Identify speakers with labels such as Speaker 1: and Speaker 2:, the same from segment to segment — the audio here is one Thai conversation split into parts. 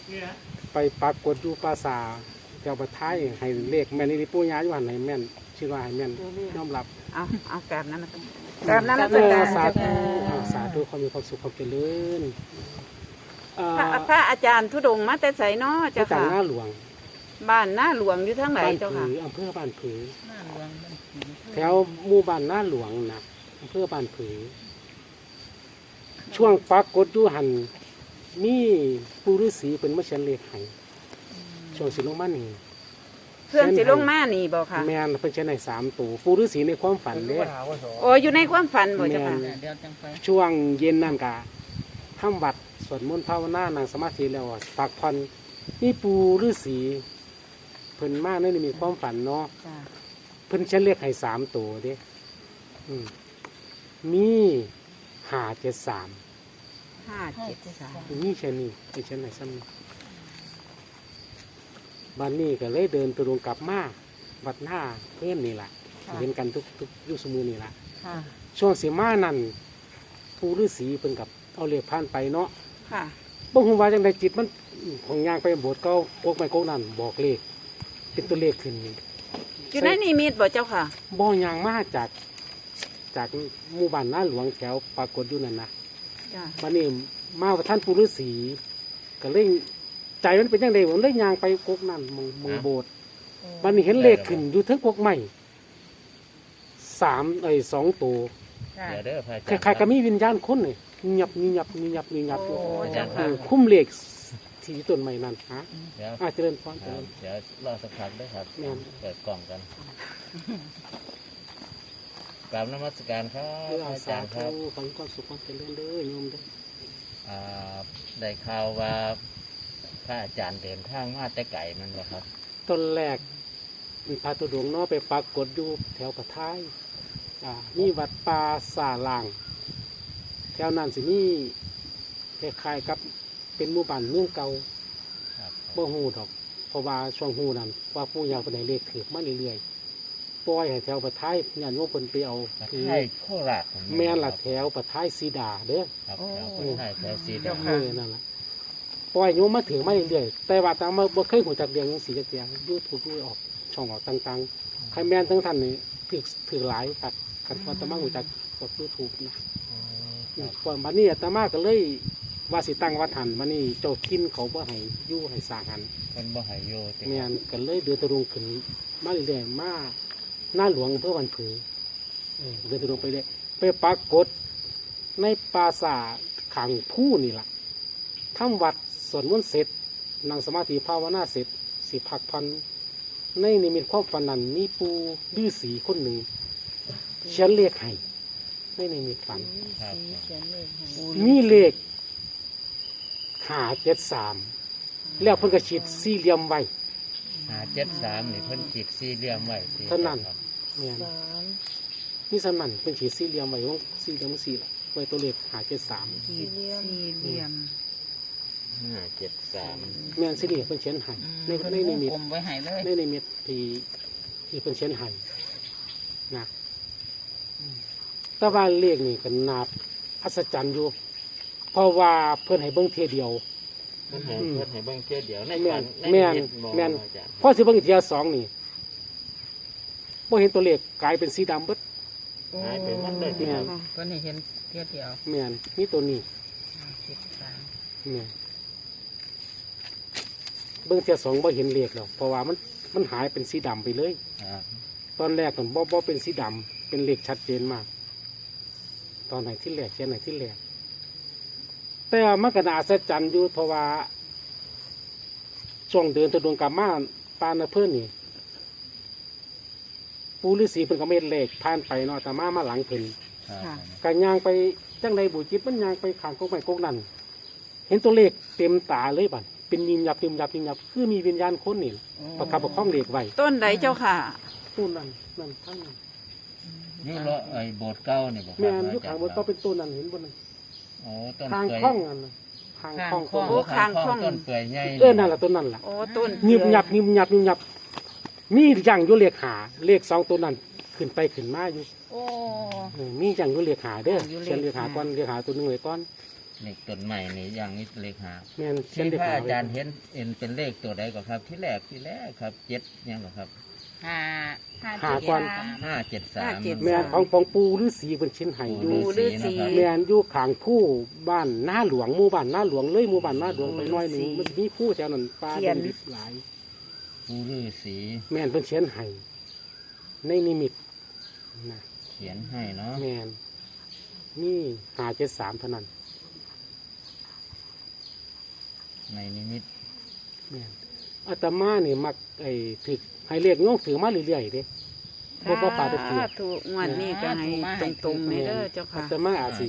Speaker 1: ไปปรากฏอยู่ปราสาทเจ้าประท้ายให้เลขแม่นนี่ปู่ย่าอยู่หันให้แม่นชื่อว่าให้แม่นยอมรับ
Speaker 2: เอากราบนั้นนะครับกราบนั้นนะ
Speaker 1: สาธุสาธุความมีความสุขความเจริญ
Speaker 2: พระอาจารย์ธุดงค์มาแต่ไสเนาะเจ้าค่ะ
Speaker 1: หน้าหลวง
Speaker 2: บ้านหน้าหลวงอยู่ทางไหนเจ้าค่ะ
Speaker 1: อำเภอบ้านผือแถวหมู่บ้านหน้าหลวงนะอำเภอบ้านผือช่วงปรากฏอยู่หันมีปู่ฤาษีเป็นมาเขียนเลขให้ช่วงสิลงมานี่
Speaker 2: เพื่อนสิลงมานี่บ่ค่ะ
Speaker 1: แม่นเป็นเขียนให้3 ตัวปู่ฤาษีในความฝันเด้
Speaker 2: โอ้อยู่ในความฝันบ่เจ้าค่ะ
Speaker 1: ช่วงเย็นนั่นกะทำวัดสวดมนต์ภาวนานั่งสมาธิแล้วพักผ่อนนี่ปู่ฤาษีเพิ่นมาในนี่มีความฝันเนาะเพิ่นเขียนเลขให้3 ตัวเด้มี573นี่เช่นนี้เป็นเช่นไหนซ้ำบ้านนี้ก็เลยเดินตรงกลับมาวัดหน้าเพื่อนนี่แหละเห็นกันทุกยุคสมุนนี่แหละช่วงเสียมานั่นผู้ฤาษีเป็นกับเอาเลขผ่านไปเนาะบ่ฮู้ว่าจังไดจิตมันของยางไปโบสถ์เก่าพวกไม้โกนั่นบอกเลขเป็นตัวเลขขึ้น
Speaker 2: อยู่ในนิมิตบ่เจ้าค่ะ
Speaker 1: บ่ยางมาจากหมู่บ้านหน้าหลวงแถวปรากฏอยู่นั่นนะบ้านนี้มาว่าท่านปู่ฤาษีก็เลยใจมันเป็นยังไงผมเลยยางไปกกนั่นมองโบสถ์บ้านนี้เห็นเลขขึ้นอยู่ทั้งกกใหม่2 ตัวใครก็มีวิญญาณคนเลยเงียบคุ้มเลขที่ต้นใหม่นั่นฮะเจริญพร
Speaker 3: เดี๋ยวรอสักพักด้วยครับเปิดกล่องกันกราบนมัสการครับอาจารย์ครับ
Speaker 1: ฟังความสุขความเจริญเลยโยมเด้อ
Speaker 3: ได้ข่าวว่าพระอาจารย์เดินทางมาแต่ไก่มันเหรอครับ
Speaker 1: ต้นแรกพระตุดงเนาะไปปรากฏอยู่แถวกระท้ายมีวัดป่าสาลางแถวนั้นสิมีคล้ายๆกับเป็นหมู่บ้านเมืองเก่าบ่ฮู้ดอกเพราะว่าช่วงฮู้นั้นว่าปู่ย่าเป็นให้เลขถือมาเรื่อยๆปล่อยให้แถวประท้ายญาติโยมเพิ่นไปเอา
Speaker 3: คือโคราช
Speaker 1: แม่นล่ะแถวประท้ายสีดาเด้อ
Speaker 3: ครับแถวสีดา
Speaker 1: นั่นล่ะปล่อยโยมมาถือมาเรื่อยๆแต่ว่าตามมาบ่เคยหูจักเรื่องสีจักอย่าง YouTube ออกช่องออกต่างๆใครแม่นทั้งท่านนี่ถือหลายครับคันว่าตามาหูจักกด YouTube นะก่อนบัดนี้อาตมาก็เลยว่าสิตั้งวัดหันมานี่เจ้ากินเขาบ่ให้อยู่ให้สร้างหัน
Speaker 3: มันบ่ให้อยู่
Speaker 1: แม่นก็เลยเดินตรงขึ้นมาเรื่อยๆมาหน้าหลวงเพื่อวันผือเดินตรงไปเลยไปปรากฏในปราสาทขังผู้นี่ล่ะทำวัดสวดมนต์เสร็จนั่งสมาธิภาวนาเสร็จสิพักพันในนิมิตความฝันนั้นมีปู่ฤาษีคนหนึ่งเขียนเลขให้ในนิมิตฝันมีเลข573แล้วเพิ่นก็ฉีดสี่เหลี่ยมไว้
Speaker 3: 573นี่เพิ่นฉีดสี่เหลี่ยมไว้
Speaker 1: เท่านั้นเนี่ยนี่สนั่นเป็นฉีดสี่เหลี่ยมไว้ของสี่เหลี่ยมสี่ไว้ตัวเลข573
Speaker 2: สี่เหลี่ยม
Speaker 3: 573
Speaker 1: แม่นสิเพิ่นเขียนให้ในนิมิตในนิมิตที่เพิ่นเขียนให้นะแต่ว่าเลขนี่ก็น่าอัศจรรย์อยู่เพราะว่าเพิ่นให้เบิ่งเทียเดียว
Speaker 3: เพิ่นให้เบิ่งเทียเดียวใน
Speaker 1: แม่นพอสิเบิ่งเทีย2นี่บ่เห็นตัวเลขกลายเป็นสีดำเบิด
Speaker 3: หายไปหมดเลย
Speaker 2: แม่นเพิ่นให้เห็นเทียเดียว
Speaker 1: แม่นนี่ตัวนี้แม่นเบิ่งเทีย2บ่เห็นเลขแล้วเพราะว่ามันหายเป็นสีดำไปเลยตอนแรกมันบ่เป็นสีดำเป็นเลขชัดเจนมากตอนไหนที่แรกเขียนไหนที่แรกแต่มันก็น่าอัศจรรย์อยู่เพราะว่าช่วงเดินตะดวงกลับมาปานเพื่อนนี่ปู่ฤาษีเพิ่นก็เม็ดเลขผ่านไปเนาะแต่มาหลังเพิ่นกันยางไปจังใดบุจิตมันยางไปข้างกกไม้กกนั่นเห็นตัวเลขเต็มตาเลยบัดเป็นยิมยับคือมีวิญญาณคนนี่ประคับประคองเลขไว้
Speaker 2: ต้นไหนเจ้าค่ะ
Speaker 1: ต้นนั่นทั้งนั้น
Speaker 3: นี่เลาะไอ้โบสถ์เก่านี่บ่ครับ
Speaker 1: แม่นอยู่ข้างโบสถ์เก่าเป็นต้นนั่นเห็นบ่นั่น
Speaker 3: ต้น
Speaker 1: ทางคล้องอันทางคล้อง
Speaker 3: ต้นเปื่อยใหญ่
Speaker 1: นั่นแหละต้นนั่นแหละ
Speaker 2: ต้น
Speaker 1: ยิบยับมีอย่างอยู่เลข5เลข2ตัวนั้นขึ้นไปขึ้นมาอยู่มีอย่างอยู่เลข5เด้อเขียนเลข5ก่อนเลข5ตัวนึงไว้ก่อน
Speaker 3: เลขต้นใหม่นี่อย่างนี้เลขหา
Speaker 1: แม่นเขีย
Speaker 3: ที่
Speaker 1: นเลข
Speaker 3: พระ
Speaker 1: หา
Speaker 3: อา
Speaker 1: ไว้
Speaker 3: จารย์เห็นเป็นเลขตัวใดก็ครับ ที่แรกครับเจ็ดยังเหรอครับ
Speaker 4: ห้า
Speaker 1: หาก่อน
Speaker 3: 573
Speaker 1: แม่นของปู่ฤาษีเพิ่นชิ้นให้อยู่
Speaker 2: ปู่ฤาษี
Speaker 1: แม่นอยู่ข้างผู้บ้านหน้าหลวงหมู่บ้านหน้าหลวงเลยหมู่บ้านหน้าหลวงไปหน่อยหนึงมันสิมีผู้แถวนั้นป่าดงดิบหลาย
Speaker 3: ปู่ฤาษี
Speaker 1: แม่นเพิ่นเขียนให้ในนิมิตนะ
Speaker 3: เขียนให้เนาะ
Speaker 1: แม่นนี่573เท่านั้น
Speaker 3: ในนิมิต
Speaker 1: แม่นอาตมานี่มักถึกให้เรียกโยงถือมาเรื่อยๆเด้บ่ปาดเถือ
Speaker 2: ถูกงวดนี้ก็ให้ตรงๆนี่เด้อเจ้า
Speaker 1: อา
Speaker 2: ค่ะ
Speaker 1: ตมาอาจสิ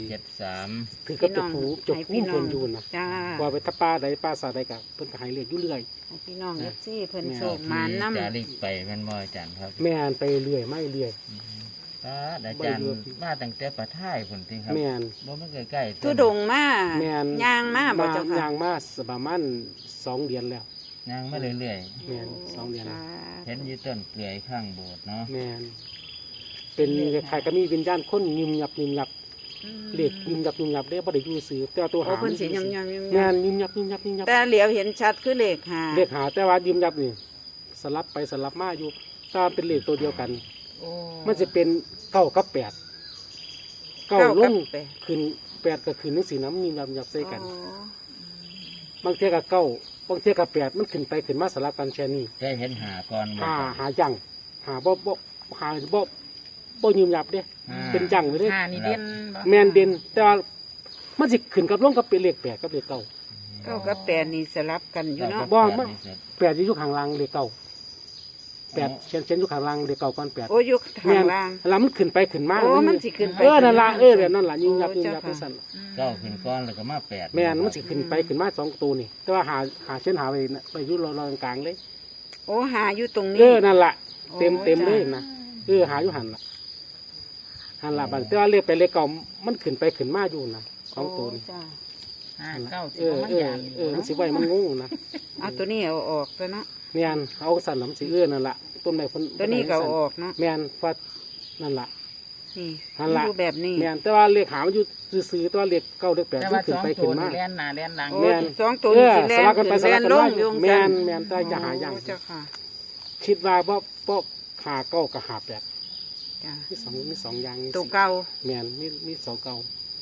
Speaker 3: 573
Speaker 1: ถือกับเจ้าผู้เจ้าผู้เพิ่นอยู่นะ
Speaker 2: จ้า
Speaker 1: ว่าไปถ้าป่าใดป่าสาใดก็เพิ่นก็ให้เรียกอยู่เรื่อย
Speaker 2: ให้พี่น้องเอฟซีเพิ่น
Speaker 1: แม่
Speaker 2: โชคหมานน้ำ
Speaker 3: จาริกไปแม่นบ่อาจารย์ครับ
Speaker 1: แม่นไปเรื่อยไม่เรื่อย
Speaker 3: พระอาจารย์มาตั้งแต่ประท้ายพุ่นติครับ
Speaker 1: แม่น
Speaker 3: บ่มันใกล้ๆ
Speaker 2: ทุดงมา
Speaker 1: แม่น
Speaker 2: ย่างมาบ่เจ้าค่ะ
Speaker 1: ย่างมาประมาณ2 เดือนแล้ว
Speaker 3: ย่างมาเรื่อย
Speaker 1: แม่น2 เดือนแล้ว
Speaker 3: ๆเห็นอยู่ต้นเปลือยข้างโบสถ์เนาะ
Speaker 1: แม่นเป็นคล้ายๆก็มีวิญญาณคนยิมยับเรียกยิมยับได้บ่ได้อยู่ซื่อแต่ว่าตัว
Speaker 2: โอ้
Speaker 1: หา
Speaker 2: เพิ่นสิยำ
Speaker 1: แม่นยิมยับ
Speaker 2: แต่เหลียวเห็นชัดคือเลขหา
Speaker 1: เรียกหาแต่ว่ายิมยับนี่สลับไปสลับมาอยู่ถ้าเป็นเลขตัวเดียวกัน
Speaker 2: โอ้
Speaker 1: มันจะเป็น9กับ8
Speaker 2: เก้า
Speaker 1: 9ล
Speaker 2: กับ
Speaker 1: ง
Speaker 2: แปด
Speaker 1: ขึ้น8ก็ขึ้นจังซี่นะมันยิมยับใส่กัน
Speaker 2: โอ้
Speaker 1: บางเทียกับเก้าบางเทียกับแปดมันขึ้นไปขึ้นมาสลับกันแค่นี้
Speaker 3: ได้เห็นหาก่อนบ่
Speaker 1: หาจังหาหาบ่ยืมยับเด้ เป็นจังไปเลย
Speaker 4: ห้านี่เด่นบ่
Speaker 1: แมนเด่นแต่ว่ามันสิขึ้นกับลงกับเป็นเลขแปดกับเลขเก้า
Speaker 2: เก้ากับแปดนี่สลับกันอยู่เนาะ
Speaker 1: บ่มัน แปดจะอยู่ข้างล่างเลขเก้าแปดเช่นอยู่ข้างล่างเลขเก้าก่อนแปด
Speaker 2: โอ้อยู่
Speaker 1: แม่
Speaker 2: ข้าง
Speaker 1: น
Speaker 2: ล่าง
Speaker 1: แล้วมันขึ้นไปขึ้นมา
Speaker 2: โอ้มันสิขึ้นไป
Speaker 1: นั่นละ
Speaker 2: ขึ้นมา
Speaker 1: แบบนั้นล่ะยืมยับ
Speaker 2: โอ้
Speaker 1: ยืมยับ
Speaker 2: เจ้าค่ะ
Speaker 1: ไปสั่นล่ะ
Speaker 3: เก้าขึ้นก้อนแล้วก็มาแปด
Speaker 1: แม่นมันสิขึ้นไปขึ้นมา2 ตัวนี่ แต่ว่าหาเช่นหาไปอยู่รอๆกลางๆเลย
Speaker 2: โอ้หาอยู่ตรงนี้
Speaker 1: นั่นล่ะ
Speaker 2: โอ้
Speaker 1: เต็ม
Speaker 2: จ้ะ
Speaker 1: เลยนะหาอยู่หันละหันละบัดแต่ว่าเลขไปเลขเก่ามันขึ้นไปขึ้นมาอยู่นะ2 ตัวนี่
Speaker 2: โอ้จ้ะ
Speaker 4: ห้าเก้าสิ
Speaker 1: เอบ อ
Speaker 4: มัน
Speaker 1: เออย
Speaker 4: าน
Speaker 1: มันสิไว้มันงงนะ
Speaker 2: เอาตัวนี้เอาออกซะเนาะ
Speaker 1: แม่นเอาสั่นลำสินั่นละต้นไม้เพิ่น
Speaker 2: ตัวนี้ก็เอาออกเนาะ
Speaker 1: แม่นฟัดนั่นละ
Speaker 2: นี่
Speaker 1: หันละ
Speaker 2: อยู่แบบนี้
Speaker 1: แม่นแต่ว่าเลขหามันอยู่ซื่อๆแต่ว่าเลขเก้าเลขแปด
Speaker 4: แต่
Speaker 1: มั
Speaker 4: ว่าน
Speaker 1: ขึ้
Speaker 4: ส
Speaker 1: น
Speaker 4: อง
Speaker 1: ไป
Speaker 4: ตั
Speaker 1: ขึ้
Speaker 4: วน
Speaker 1: มา
Speaker 4: นี่แล่นหน้าแล่นหลัง
Speaker 2: โอ้
Speaker 1: แม่น
Speaker 2: สองตัวนี้สิแล่
Speaker 1: ส
Speaker 2: น
Speaker 1: ลับกันไปส
Speaker 2: แล่
Speaker 1: ลับ
Speaker 2: น
Speaker 1: กัน
Speaker 2: ล
Speaker 1: มาง
Speaker 2: อยู่
Speaker 1: แม่น
Speaker 2: จัง
Speaker 1: แม่นแต่จะหาอย่าง
Speaker 2: โเจ้าค่ะ
Speaker 1: คิดว่าบ่หาเก้ากับหาแปด
Speaker 2: จ้ะ
Speaker 1: มีสองอย่างนี่
Speaker 2: ตัวเก่า
Speaker 1: แม่นมีสองเก้า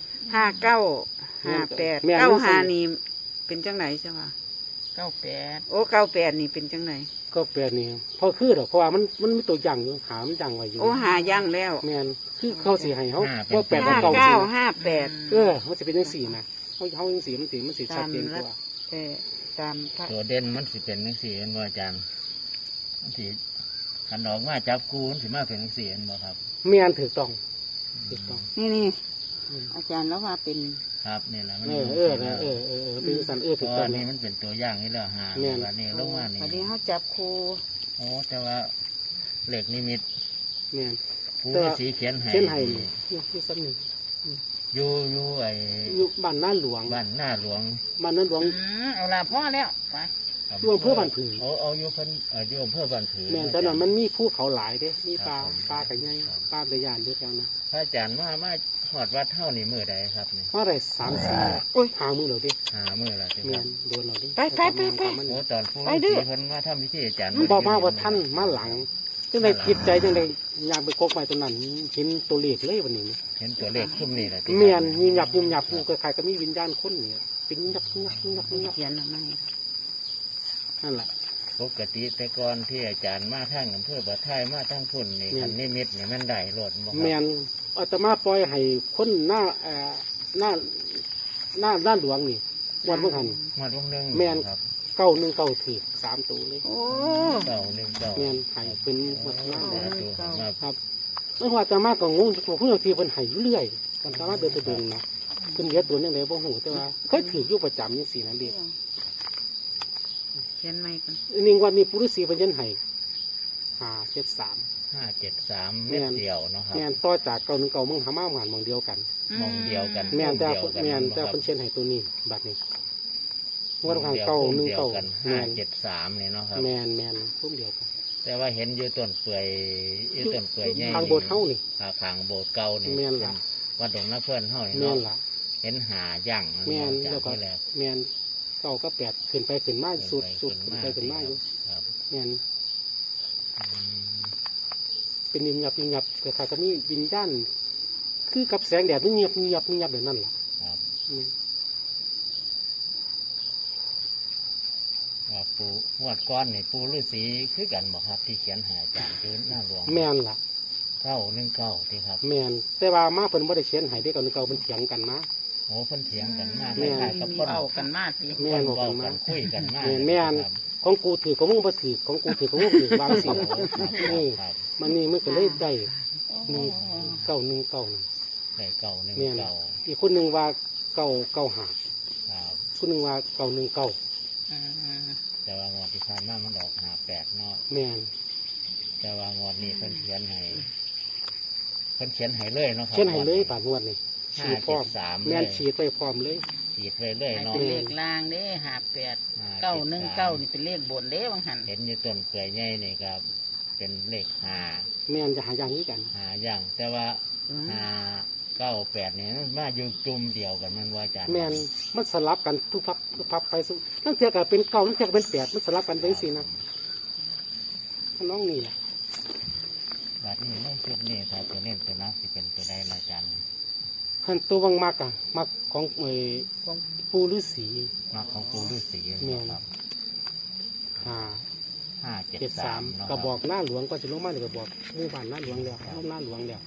Speaker 2: 59 58
Speaker 1: แม่น
Speaker 2: 95นี่เป็นจังไหนใช่ป่ะ
Speaker 4: 98
Speaker 2: โอ้98นี่เป็นจังไหน
Speaker 1: ก็แปดนี่พอคือดอกเพราะว่ามันมีตัวอย่างอยู่หามันอย่างไว้อยู่
Speaker 2: โอ้หาย่างแล้ว
Speaker 1: แม่นคือเขาสิให้เขาว่าแปดกับเก้าสิ
Speaker 2: 59 58
Speaker 1: มันจะเป็นจังสี่นะเขาจังสี่มันสิชัดเจนกว่า
Speaker 2: แต่ตามพระ
Speaker 3: ตัวเด่นมันสิเป็นจังซี่เห็นบ่อาจารย์มันสิขันออกมาจับกูมันสิมาเป็นจังซี่เห็นบ่ครับ
Speaker 1: แม่นถูกต้อง
Speaker 2: นี่
Speaker 1: อืม
Speaker 2: อาจารย์แล้วว่าเป็น
Speaker 3: ครับนี่แหละมัน
Speaker 1: เป็นสัน
Speaker 3: เพ
Speaker 1: ถูก
Speaker 3: ราะ
Speaker 1: ต้อ
Speaker 3: อั
Speaker 1: ง
Speaker 3: นนี้มันเป็นตัวอย่างนี่แล้วหา
Speaker 1: แม่น
Speaker 3: วันนี้ลงมานี่
Speaker 2: วันนี้เขาจับครู
Speaker 3: โอ้แต่ว่าเหล็กนิมิต
Speaker 1: แม่น
Speaker 3: ผู้
Speaker 1: แต่ว่า
Speaker 3: สีเขียนให้
Speaker 1: เช่นไห้นี่ที่ซ้ำหนึ่ง
Speaker 3: อยู่ไอ้
Speaker 1: อยู่บ้านหน้าหลวง
Speaker 3: บ้านหน้าหลวง
Speaker 1: บ้านหน้าหลวง
Speaker 4: เอาละพ่อแล้วไป
Speaker 1: อยู่อำเภอบ้านผือ
Speaker 3: เอาอยู่เพิ่นอยู่อำเภอบ้านผือ
Speaker 1: แม่นแต่นั้นมันมีภูเขาหลายเด้มีปลา
Speaker 3: ครับผม
Speaker 1: ปลาไก่ใหญ่ปลาตะยานเยอะแยะนะ
Speaker 3: พระอาจารย์มาหอดวัดเท่านี่มื้อใดครับนี่
Speaker 1: ว่าไร3-4หามือเราดิ
Speaker 3: หามื้อละสิ
Speaker 1: แม่
Speaker 3: ครับ
Speaker 1: นโดนเราดิ
Speaker 3: โอ้ตอนผู้
Speaker 2: ไปดื้
Speaker 3: สี
Speaker 2: อ
Speaker 3: เพิ่นมาทำพิธีอาจารย์
Speaker 1: บอกมาว่าท่านมาหลังจังไดจิตใจจังไดอยากไปกกไปตรงนั้นเห็นตัวเลขเลยวันนี้
Speaker 3: เห็นตัวเลขขึ้นนี่แหละ
Speaker 1: แม่นยิมหยับกูก็ใครก็มีวิญญาณคนนี่เป็นยับ
Speaker 2: เขียนออกมา
Speaker 1: นั่นแหละ
Speaker 3: ปกติแต่ก่อนที่อาจารย์มาทางอำเภอบ่อไทยมาทางพุ่นนี่
Speaker 1: แม่น
Speaker 3: คันนิมิตนี่มันได้รถบ่ครับ
Speaker 1: แม่นอาตมาปล่อยให้คนหน้าด้านหลวงนี่วันเมื่อหัน
Speaker 3: หมดวงหนึง
Speaker 1: แม่น
Speaker 3: ครับ
Speaker 1: 919ถือ3ตัวเลย
Speaker 2: โอ้
Speaker 3: เก้าหนึ่งเก้า
Speaker 1: แม่นให้เป็นหมดหน้า
Speaker 3: สาธุให้มา
Speaker 1: ครับเมื่อวานอาตมาก็งงผู้บางทีเพิ่นให้อยู่เรื่อยกันอาตมาเดินไปเดินนะเพิ่นเฮ็ดตัวจังไดบ่ฮู้แต่ว่าเคยถืออยู่ประจำจังซี่นั่นเด้
Speaker 2: เขียนไม่กัน
Speaker 1: นี่วันนี้ปุรุษีเพิ่นเฮ็ดให้573
Speaker 3: 573
Speaker 1: แม่
Speaker 3: เม็ด
Speaker 1: น
Speaker 3: เดียวเนาะครับ
Speaker 1: แม่นต่อจาก919มึงหามาหวานหมองเดียวกัน
Speaker 3: มองเดียวกัน
Speaker 1: แม่นแต่
Speaker 3: เดียวกัน
Speaker 1: แม่นแต่
Speaker 3: บ่ครับ
Speaker 1: เพิ่นเช็ดให้ตัวนี้บัดนี้งวดข้าง
Speaker 3: เดียว
Speaker 1: เก่า
Speaker 3: พุ่ม
Speaker 1: 1
Speaker 3: เดียว
Speaker 1: เก่า
Speaker 3: กัน
Speaker 1: แม่น
Speaker 3: 573นี่เนาะครับ
Speaker 1: แม่นพุ่มเดียวกัน
Speaker 3: แต่ว่าเห็นอยู่ต้นเปื่อยอยู่ต้นเปื่อยใหญ่
Speaker 1: ทางโบสถ์เฮานี่
Speaker 3: ทางโบสถ์เก่านี่
Speaker 1: แม่นล่ะ
Speaker 3: วัดดงนาเพื่อนเฮานี่
Speaker 1: แม่
Speaker 3: เนาะ
Speaker 1: นล่ะ
Speaker 3: เห็นหาย่าง
Speaker 1: แม่น
Speaker 3: จาก
Speaker 1: แล้วก็
Speaker 3: ที่แรก
Speaker 1: แม่นเก้าก็แปดขึ้นไปขึ้นมาสุดขึ้นไปขึ้นมาอยู่
Speaker 3: ครับ
Speaker 1: แม่น
Speaker 3: อืม
Speaker 1: เป็นยิบยับยิบยับแต่ถ้าก็มีวิญญาณคือกับแสงแดดมันเงียบแบบนั้นล่ะ
Speaker 3: ครับ
Speaker 1: อืม
Speaker 3: ว่าปูงวดก้อนนี่ปูฤาษีคือกันบอกครับ ที่เขียนหาอาจารย์คือหน้าหลวง
Speaker 1: แม่นล่ะ
Speaker 3: 919ที่ครับ
Speaker 1: แม่นแต่ว่ามาเพิ่นบ่ได้เขียนให้ได้อเก่าเก่าเพิ่นเถียงกันมา
Speaker 3: โอ้เพิ่นเถียงกันมาก
Speaker 1: แม่น
Speaker 3: คล้ายๆกับคน
Speaker 4: เอากันมาสิ
Speaker 1: แม่นบอก
Speaker 3: เว้า
Speaker 1: กันมา
Speaker 3: กันคุยกันมาก
Speaker 1: แม่น
Speaker 3: ครับ
Speaker 1: ของกูถือของมึงบ่ถือของกูถือของมึงถือบางสิ
Speaker 3: โอ้ครับค
Speaker 1: นี่
Speaker 3: รับ
Speaker 1: มันนี่มันก็เลยได้
Speaker 4: โอ้
Speaker 1: เก้าหนึ่งเก้า
Speaker 3: ได้เก่าหนึ่ง
Speaker 1: แม่น
Speaker 3: เก่า
Speaker 1: อีกคนหนึ่งว่าเก้าเก้าหา
Speaker 3: ครับ
Speaker 1: คนหนึ่งว่าเก้าหนึ่งเก้า
Speaker 4: อืม
Speaker 3: แต่ว่างวดที่ผ่านมามันออก58เนาะ
Speaker 1: แม่น
Speaker 3: แต่ว่างวดนี้เพิ่นเขียนให้เพิ่นเขียนให้เลยเนาะครับ
Speaker 1: เช่นให้เลยบาดงวดนี่ฉี
Speaker 3: ห้า
Speaker 1: ดพร้
Speaker 3: เจ็
Speaker 1: อ
Speaker 3: ด
Speaker 1: ม
Speaker 3: สาม
Speaker 1: แม่น
Speaker 3: เลย
Speaker 1: ฉีดไปพร้อมเลย
Speaker 3: ฉีดเลยเลยเนาะ
Speaker 4: เป็นเลขลางเด้58 919นี่เป็นเลขบนเด้บางหัน
Speaker 3: เห็นอยู่ต้นเปื่อยใหญ่นี่ครับ เป็นเลขห้า
Speaker 1: แม่นจะหาอย่างนี้กัน
Speaker 3: หาอย่าง แต่ว่า598เนี่ยมันมาอยู่จุ่มเดียวกันมันว่าอาจารย์
Speaker 1: แม่นมันสลับกันทุกพับไปสุนั่นเทียกับเป็นเก้านั่นเทียกับเป็นแปดมันสลับกันเป็นสี่นะน้องนี่แหละ
Speaker 3: บัดนี้ในชุดนี้ถ้าตัวเน้นตัวนักสิเป็นตัวใดล่ะอาจารย์
Speaker 1: ขันตัววังมากอะมากของปูฤาษี
Speaker 3: มาของปูฤาษี
Speaker 1: แม่น
Speaker 3: ครับ
Speaker 1: หา
Speaker 3: 573
Speaker 1: 73
Speaker 3: เนาะ
Speaker 1: กระบอกหน้าหลวงก็จะลงมาในกระบอกหมู่บ้านหน้าหลวงแล้วลงหน้าหลวงแล้ว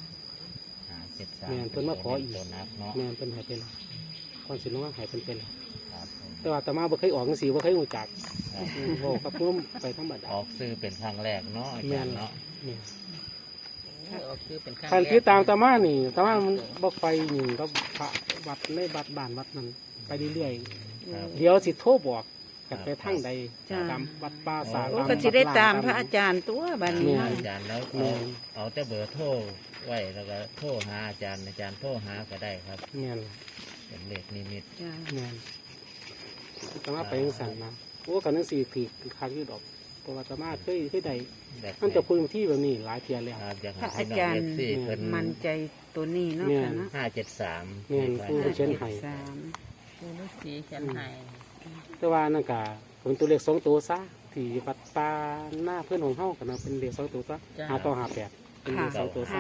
Speaker 3: 573
Speaker 1: แม่นเพิ่นมาขออีก
Speaker 3: ตัวนักเนาะ
Speaker 1: แม่นเป็นใหายเป็นก่อนสิลงมาใหายเป็น
Speaker 3: ครับผม
Speaker 1: แต่ว่าอาตมาบ่เคยออกจังซี่บ่เคยรู้จัก
Speaker 3: ครับ
Speaker 1: โอ้กับพุ่มไปธรรมดา
Speaker 3: ออกซื้อเป็นครั้งแรกเนาะอาจารย์เนาะ
Speaker 1: นี่
Speaker 4: ออกคือเป็นข้าง
Speaker 1: คันที่ตามอาตมานี่อาตมามันบ่ไปนี่ก็พระวัดในวัดบ้านวัดนั้นไปเรื่อย
Speaker 3: ครับ
Speaker 1: ๆเดี๋ยวสิโทรบอกกันไปทางใด
Speaker 2: จ้า
Speaker 1: ตามวัดป่าสา
Speaker 2: โอ้
Speaker 1: ตาม
Speaker 2: ก็สิได้ตาม
Speaker 1: วั
Speaker 2: พระอาจารย์ตัวบัดนี้
Speaker 1: แม่
Speaker 3: อาจารย์แล้ว
Speaker 1: แม่น
Speaker 3: เอาแต่เบอร์โทรไว้แล้วก็โทรหาอาจารย์โทรหาก็ได้ครับ
Speaker 1: แม่น
Speaker 3: เป็นเลขนิมิต
Speaker 2: จ้า
Speaker 1: แม่นอาตมาไปจังซั่นนะโอ้กันจังซี่ถือคักอยู่ดอกเพราะว่าอาตมาเคยได้
Speaker 3: แบบ
Speaker 1: มันจะพูดที่แบบนี้หลายเทียแล้ว
Speaker 3: ครับอยาก
Speaker 2: พระ
Speaker 3: ให้
Speaker 2: อา
Speaker 3: พี่น้อ
Speaker 2: จาง ร
Speaker 3: เอ
Speaker 2: ย์
Speaker 3: ฟซีเพิ่น
Speaker 2: มั่นใจตัวนี้เนาะ
Speaker 1: แม่
Speaker 2: ค่ะเนาะ
Speaker 3: 573
Speaker 1: แม่นผู้เขียนให้
Speaker 2: สาม
Speaker 4: ปูฤาษีเขียนให้
Speaker 1: แต่ว่านั่นก็เป็นตัวเลขสองตัวซะที่วัดป่าหน้าเพื่อนของเฮากันนะเป็นเลขสองตัวซะหาต่อหาแปดเป็นเลขสองตัวซะ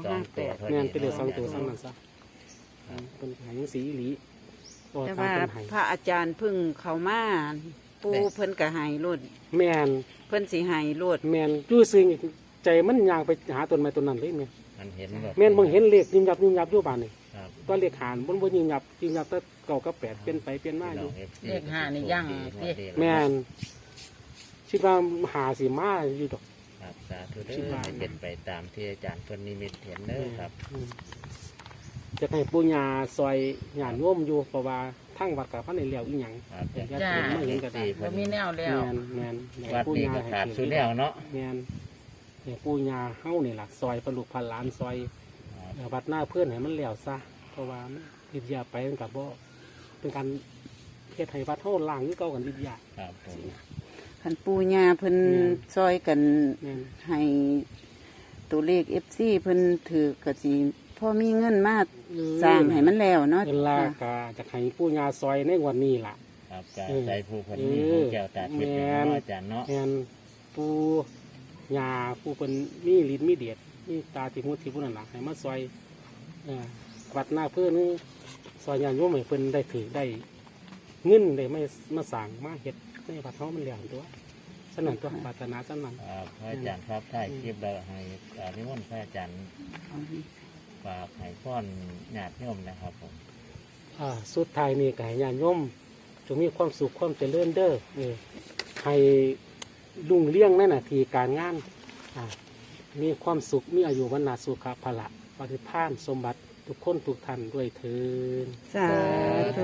Speaker 3: 59
Speaker 1: แม่นเป็นเลขสองตัวซะนั่นซะเป็นหายสีหลีโอ้
Speaker 2: แต่
Speaker 1: ตาม
Speaker 2: ว่า
Speaker 1: เป็นหาย
Speaker 2: พระอาจารย์เพึ่งเข้ามาปูเพิ่นก็ให้โลด
Speaker 1: แม่น
Speaker 2: เพิ่นสิให้โลด
Speaker 1: แม่นจู่ซึ้งใจมันย่างไปหาต้นไม้ต้นนั้นเลยแม่น
Speaker 3: มันเห็นแบบ
Speaker 1: แม่นบ่เห็นเลขยิบยับอยู่บ้านนี่
Speaker 3: ครับ
Speaker 1: ตัวเลขหารบ่ยิบยับแต่เก่ากับแปดเปลี่ยนไปเปลี่ยนมาอยู่
Speaker 4: เลขห้านี่ยั่งสิ
Speaker 1: แม่นคิดว่าหาสิมาอยู่ดอก
Speaker 3: ครับสาธุเด้อให้เป็นไปตามที่อาจารย์เพิ่นนิมิตเห็นเด้อครับ
Speaker 1: จะให้ปูญาซอยหยาดโยมอยู่เพราะว่าทั้งวัดกับพระในเหลียวอีหยัง
Speaker 3: ครับ
Speaker 1: อยากจะเห็นไม่เห็นก็ได้
Speaker 4: บ่มีแนวแล้ว
Speaker 1: แมน
Speaker 3: วัดนี้ก็ขาดสุดแล้วเนาะ
Speaker 1: แมนเนี่ยปูญาเฮ้านี่ล่ะซอยประลุกพันล้านซอยวัดหน้าเพื่อนให้มันเหลียวซะเพราะว่าวิทยาไปมันกับบ่เป็นการเฮ็ดให้วัดเฮ้าล่างนี่เก่ากันวิทยา
Speaker 3: ครับผม
Speaker 2: คันปูญาเพิ่นซอยกัน
Speaker 1: แมน
Speaker 2: ให้ตัวเลข FC เพิ่นถือก็สิพอมีเงินมาสร้างให้มันแล้วเนาะ
Speaker 1: เวลาก็จะให้ปูญาซอยในงวันนี้ล่ะ
Speaker 3: ครับจะใจผู้คนนี้ผู้แก้วตาทิพย์เนาะอาจารย์เนาะ
Speaker 1: แมนปูยาปูเป็นมีลิ้นมีเดียดมีตาที่มุดที่พุ่นนั่นหละให้มาซอยวัดหน้าเพื่อนนี่ซอยยานโยมให้เพิ่นได้ถือได้เงินได้ไม่มาสั่งมาเฮ็ดในวัดเฮามันเหลี่ยมตัวสนั่นตัวปรารถนาสนั่น
Speaker 3: ครับพระอาจารย์ครับถ่ายคลิปแล้วให้นิมนต์พระอาจารย์ฝากให้พ่อนญาติโยมนะครับผม
Speaker 1: สุดท้ายนี่ก็ให้ญาติโยมจงมีความสุขความเจริญเด้อให้รุ่งเรื่องในหน้าที่การงานมีความสุขมีอายุวันนาสุขภาละปฏิภาณสมบัติทุกคนทุกท่านด้วยเถิด
Speaker 2: สาธุ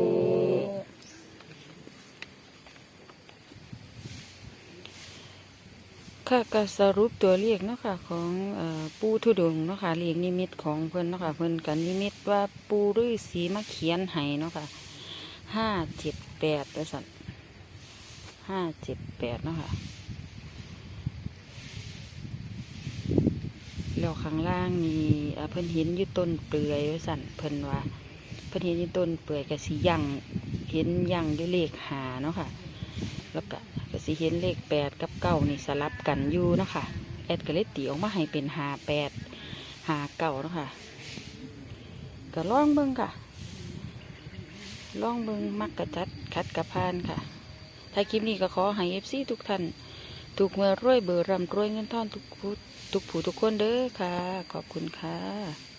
Speaker 2: ค่ะก็สรุปตัวเลขเนาะค่ะของปูทุดงค์เนาะค่ะเลขนิมิตของเพิ่นเนาะค่ะเพิ่นกันนิมิตว่าปูฤาษีมาเขียนให้เนาะค่ะ578ว่าซั่น578เนาะค่ะแล้วข้างล่างนี่เพิ่นเห็นอยู่ต้นเปลือยว่าซั่นเพิ่นว่าพิ่นเห็นอยู่ต้นเปื่อยก็สิยังเห็นยังอยู่เลขหาเนาะค่ะแล้วก็สิเห็นเลข8กับ9นี่สลับกันอยู่เนาะค่ะแอดก็เลยตีออกมาให้เป็น58 59เนาะค่ะก็ลองเบิ่งค่ะลองเบิ่งมักกะจัดคัดกะพานค่ะถ้าคลิปนี้ก็ขอให้ FC ทุกท่านถูกเมื่อรวยเบอร์ร่ำรวยเงินทองทุกผู้ทุกคนเด้อค่ะขอบคุณค่ะ